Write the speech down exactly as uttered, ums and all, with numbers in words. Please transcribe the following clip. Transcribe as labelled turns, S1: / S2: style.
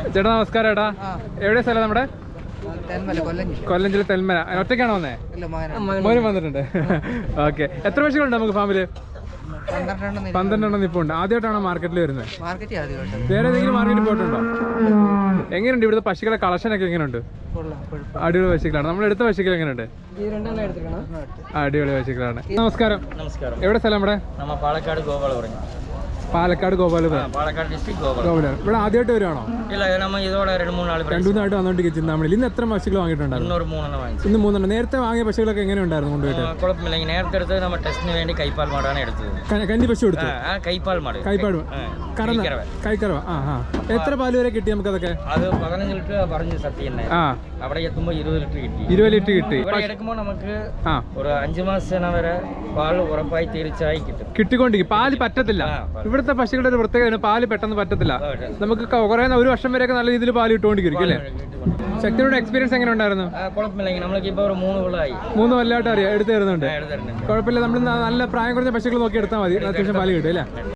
S1: ചേട്ടാ നമസ്കാരം. ഏട്ടാ എവിടെ സ്ഥലം നമ്മുടെ? കൊല്ലം ജില്ല തെന്മല. ഒറ്റയ്ക്കാണോ വന്നേ? മോനും വന്നിട്ടുണ്ട്. ഓക്കെ. എത്ര പശുക്കളുണ്ട് നമുക്ക് ഫാമില്? പന്ത്രണ്ടെണ്ണം ഇപ്പോൾ ഉണ്ട്. ആദ്യമായിട്ടാണോ മാർക്കറ്റിൽ വരുന്നത്? വേറെ ഏതെങ്കിലും മാർക്കറ്റിൽ പോയിട്ടുണ്ടോ? എങ്ങനെയുണ്ട് ഇവിടുത്തെ പശുക്കളെ കളക്ഷൻ ഒക്കെ? എങ്ങനെയുണ്ട്? അടിപൊളി പശുക്കളാണ്. നമ്മൾ എടുത്ത പശുക്കൾ എങ്ങനെയുണ്ട്? അടിപൊളി പശുക്കളാണ്. നമസ്കാരം. എവിടെ സ്ഥലം നമ്മുടെ?
S2: പാലക്കാട് ഗോപാലപുരം.
S1: പാലക്കാട് ഗോപാലപുരം.
S2: പാലക്കാട് ഡിസ്ട്രിക്ട്
S1: ഗോപാലപുരം. ഇവിടെ ആദ്യമായിട്ട് വരുവാണോ?
S2: ഇല്ല, നമ്മൾ ഇതോടെ രണ്ട് മൂന്നാൾ
S1: രണ്ടു മൂന്നായിട്ട് വന്നോണ്ടിരിക്കും ചിന്താമണി. ഇന്ന് എത്ര പശുക്കൾ വാങ്ങിയിട്ടുണ്ടായിരുന്നു? ഇന്ന് മൂന്നെണ്ണം. നേരത്തെ വാങ്ങിയ പശുക്കളൊക്കെ എങ്ങനെ ഉണ്ടായിരുന്നു കൊണ്ടുപോയിട്ട്?
S2: കുഴപ്പമില്ല. നേരത്തെ എടുത്തത് നമ്മൾ ടെസ്റ്റിന് വേണ്ടി കൈപ്പാൽ മാടാണ് എടുത്തത്.
S1: കന്നി പശു എടുത്തു?
S2: കൈപ്പാൽ മാട്.
S1: കൈപ്പാട് കൈക്കറവ. ആ ആ എത്ര പാല് വരെ കിട്ടി നമുക്ക്? അതൊക്കെ
S2: അത് പതിനഞ്ച് ലിറ്റർ പറഞ്ഞു സത്യം. അവിടെ എത്തുമ്പോൾ ഇരുപത് ലിറ്റർ കിട്ടി.
S1: ഇരുപത് ലിറ്റർ കിട്ടി.
S2: എടുക്കുമ്പോൾ നമുക്ക് ഒരു അഞ്ചു മാസം വരെ പാൽ ഉറപ്പായി തീർച്ചയായി കിട്ടും.
S1: കിട്ടിക്കൊണ്ടിരിക്കും. പാല് പറ്റത്തില്ല. ഇവിടുത്തെ പശുക്കളുടെ ഒരു പ്രത്യേകത, പാല് പെട്ടെന്ന് പറ്റത്തില്ല. നമുക്ക് കുറെ ഒരു വർഷം വരെയൊക്കെ നല്ല രീതിയിൽ പാല് കിട്ടുകൊണ്ടിരിക്കും അല്ലേ? ശക്തിയുടെ എക്സ്പീരിയൻസ് എങ്ങനെ ഉണ്ടായിരുന്നു?
S2: കുഴപ്പമില്ല. നമ്മൾക്ക് ഇപ്പോൾ ഒരു മൂന്ന് കൊല്ലമായി.
S1: മൂന്ന് കൊല്ലമായിട്ട് അറിയാം എടുത്തു തരുന്നുണ്ട്. കുഴപ്പമില്ല. നമ്മൾ നല്ല പ്രായം കുറഞ്ഞ പശുക്കൾ നോക്കി എടുത്താൽ മതി. അത്യാവശ്യം പാല് കിട്ടും അല്ലേ?